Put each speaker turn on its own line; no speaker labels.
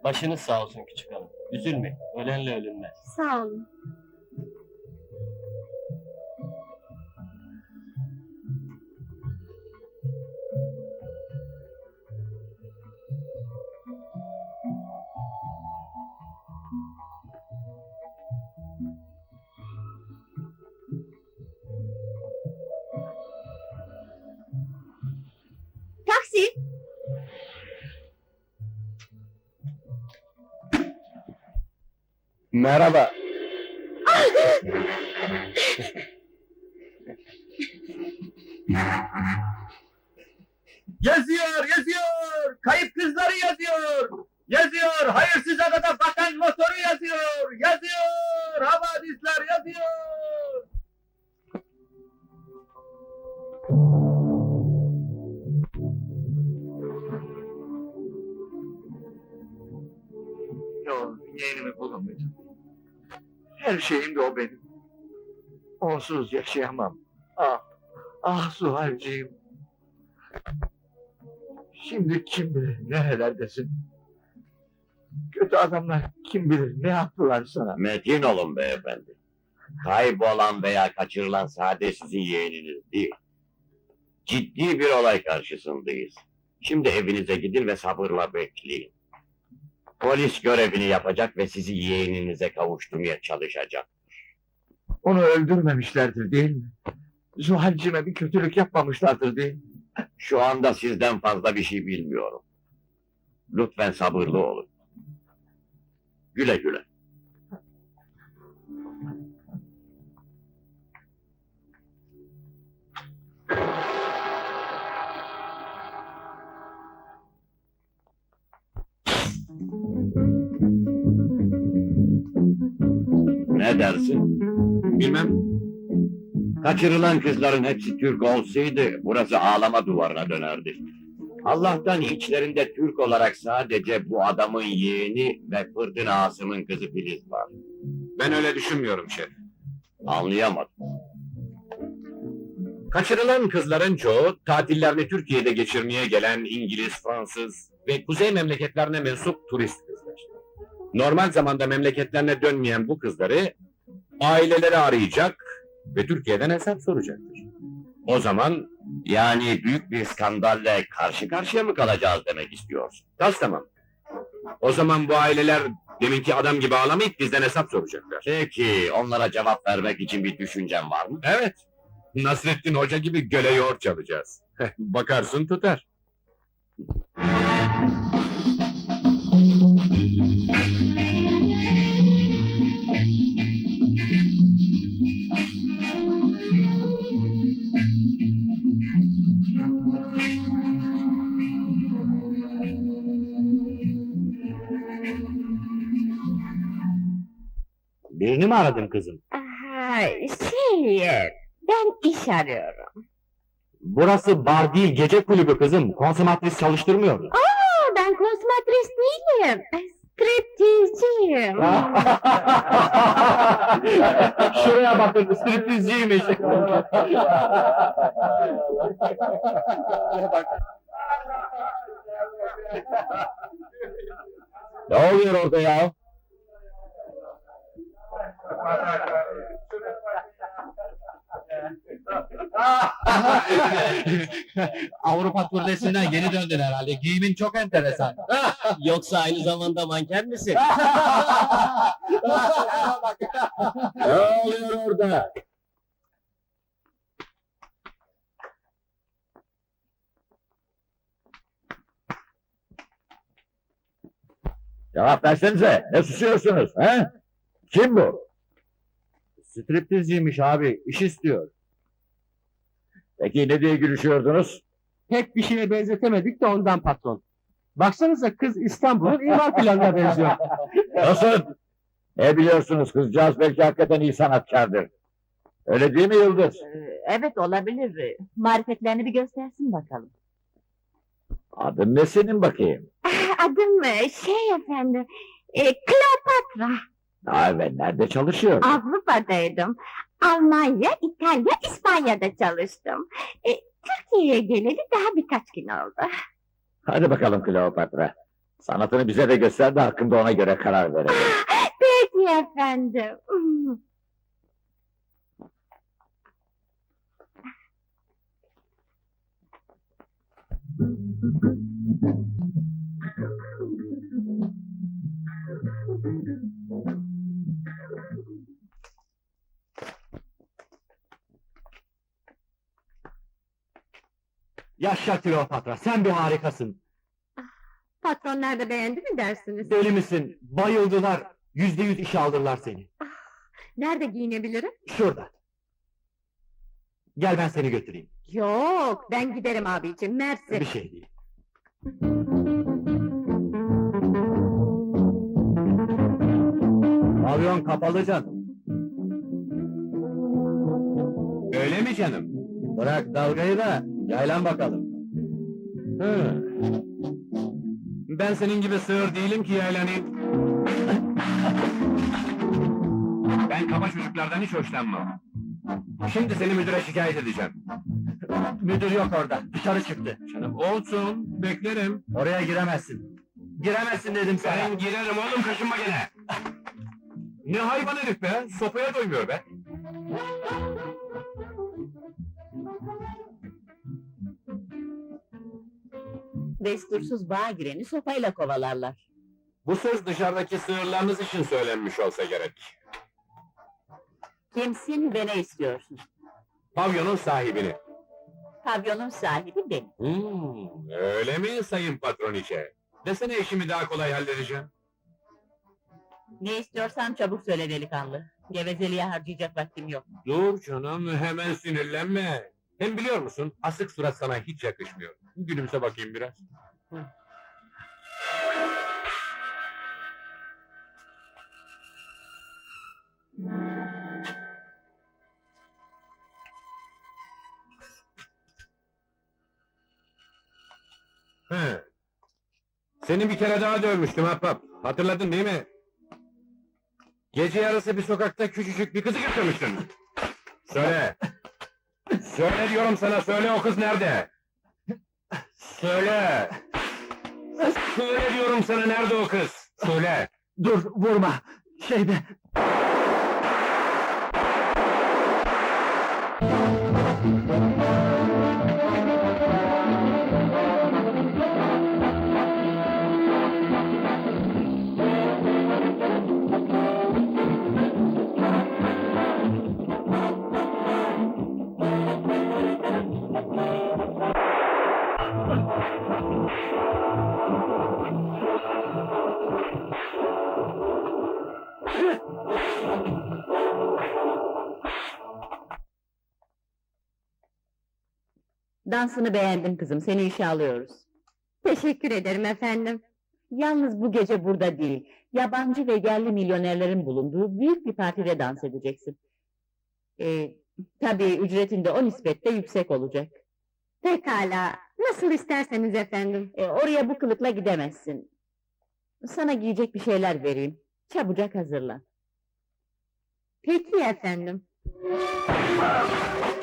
Başınız sağ olsun küçük hanım. Üzülmeyin, ölenle ölünmez.
Sağ olun. Taksi!
Merhaba. Yazıyor! Kayıp kızları yazıyor! Yazıyor! Hayırsız adada bakan motoru yazıyor! Yazıyor! Havadisler yazıyor! Yok, yeğenimi bulamadım. Her şeyim de o benim. Onsuz yaşayamam. Ah Zuhal'ciğim. Şimdi kim bilir nerelerdesin? Kötü adamlar kim bilir ne yaptılar sana?
Metin olun beyefendi. Kaybolan veya kaçırılan sadece sizin yeğeniniz değil. Ciddi bir olay karşısındayız. Şimdi evinize gidin ve sabırla bekleyin. Polis görevini yapacak ve sizi yeğeninize kavuşturmaya çalışacak.
Onu öldürmemişlerdir değil mi? Zuhal'cime bir kötülük yapmamışlardır değil mi?
Şu anda sizden fazla bir şey bilmiyorum. Lütfen sabırlı olun. Güle güle. Ne dersin?
Bilmem.
Kaçırılan kızların hepsi Türk olsaydı burası ağlama duvarına dönerdi. Allah'tan içlerinde Türk olarak sadece bu adamın yeğeni ve Fırdın Asım'ın kızı Filiz var.
Ben öyle düşünmüyorum şef.
Anlayamadım.
Kaçırılan kızların çoğu tatillerini Türkiye'de geçirmeye gelen İngiliz, Fransız ve kuzey memleketlerine mensup turist kızlar. Normal zamanda memleketlerine dönmeyen bu kızları aileleri arayacak ve Türkiye'den hesap soracaktır. O zaman
Yani büyük bir skandalle karşı karşıya mı kalacağız demek istiyorsun?
tas tamam. O zaman bu aileler deminki adam gibi ağlamayıp bizden hesap soracaklar.
Peki onlara cevap vermek için bir düşüncen var mı?
Evet. Nasrettin Hoca gibi göle yoğurt çalacağız. Bakarsın tutar.
Birini mi aradın kızım?
Ben iş arıyorum.
Burası bar değil, gece kulübü kızım. Konsomatris çalıştırmıyor.
Ben konsumatris değilim. Striptizciyim.
Şuraya bakın, striptizciymiş. Ne oluyor orada ya?
Avrupa turnesinden yeni döndün herhalde. Giyimin çok enteresan. Yoksa aynı zamanda manken misin?
Ne oluyor orada? Cevap versenize, ne susuyorsunuz, he? Kim bu? Striptizciymiş abi, iş istiyor. Peki ne diye gülüşüyordunuz?
Pek bir şeye benzetemedik de ondan patron. Baksanıza kız İstanbul'un imar planına benziyor.
Nasıl? Ne biliyorsunuz, kızcağız belki hakikaten iyi sanatkardır. Öyle değil mi Yıldız?
Evet olabilir. Marifetlerini bir göstersin bakalım.
Adın ne senin bakayım?
Adım efendim. Kleopatra.
Ha, ve nerede çalışıyor?
Avrupa'daydım. Almanya, İtalya, İspanya'da çalıştım. Türkiye'ye geleli daha birkaç gün oldu.
Hadi bakalım Kleopatra.
Sanatını bize de göster de hakkında ona göre karar verelim.
Peki efendim.
Yaşa Kleopatra, sen bir harikasın.
Patronlar da beğendi mi dersiniz?
Deli misin? Bayıldılar. %100 işe aldılar seni.
Nerede giyinebilirim?
Şurada. Gel ben seni götüreyim.
Yok, ben giderim abicim, mersi.
Bir şey değil. Pavyon kapalı canım.
Öyle mi canım?
Bırak dalgayı da yaylan bakalım.
Hı. Ben senin gibi sığır değilim ki yaylanayım. Ben kaba çocuklardan hiç hoşlanmam. Şimdi seni müdüre şikayet edeceğim.
Müdür yok orada. Dışarı çıktı.
Canım olsun, beklerim.
Oraya giremezsin. Giremezsin dedim sana.
Ben girerim oğlum, kaşınma gene. Ne hayvan herif be, sopaya doymuyor be.
Destursuz bağa gireni sopayla kovalarlar.
Bu söz dışarıdaki sığırlarınız için söylenmiş olsa gerek.
Kimsin ve ne istiyorsun?
Pavyonun sahibini.
Pavyonun sahibi benim.
Öyle mi sayın patroniçe? Desene işimi daha kolay halledeceğim.
Ne istiyorsan çabuk söyle delikanlı. Gevezeliğe harcayacak vaktim yok.
Dur canım, hemen sinirlenme. Hem biliyor musun, asık surat sana hiç yakışmıyor. Gülümse bakayım biraz. He. Seni bir kere daha dövmüştüm ahbap. Hatırladın değil mi? Gece yarısı bir sokakta küçücük bir kızı götürmüştün. Söyle. Söyle diyorum sana, söyle o kız nerede? Söyle. Söyle diyorum sana, nerede o kız? Söyle.
Dur, vurma. Şeyde...
Dansını beğendim kızım, seni işe alıyoruz. Teşekkür ederim efendim. Yalnız bu gece burada değil, yabancı ve yerli milyonerlerin bulunduğu büyük bir partide dans edeceksin. Tabii ücretin de o nispetle yüksek olacak. Pekala, nasıl isterseniz efendim. Oraya bu kılıkla gidemezsin. Sana giyecek bir şeyler vereyim, çabucak hazırlan. Peki efendim.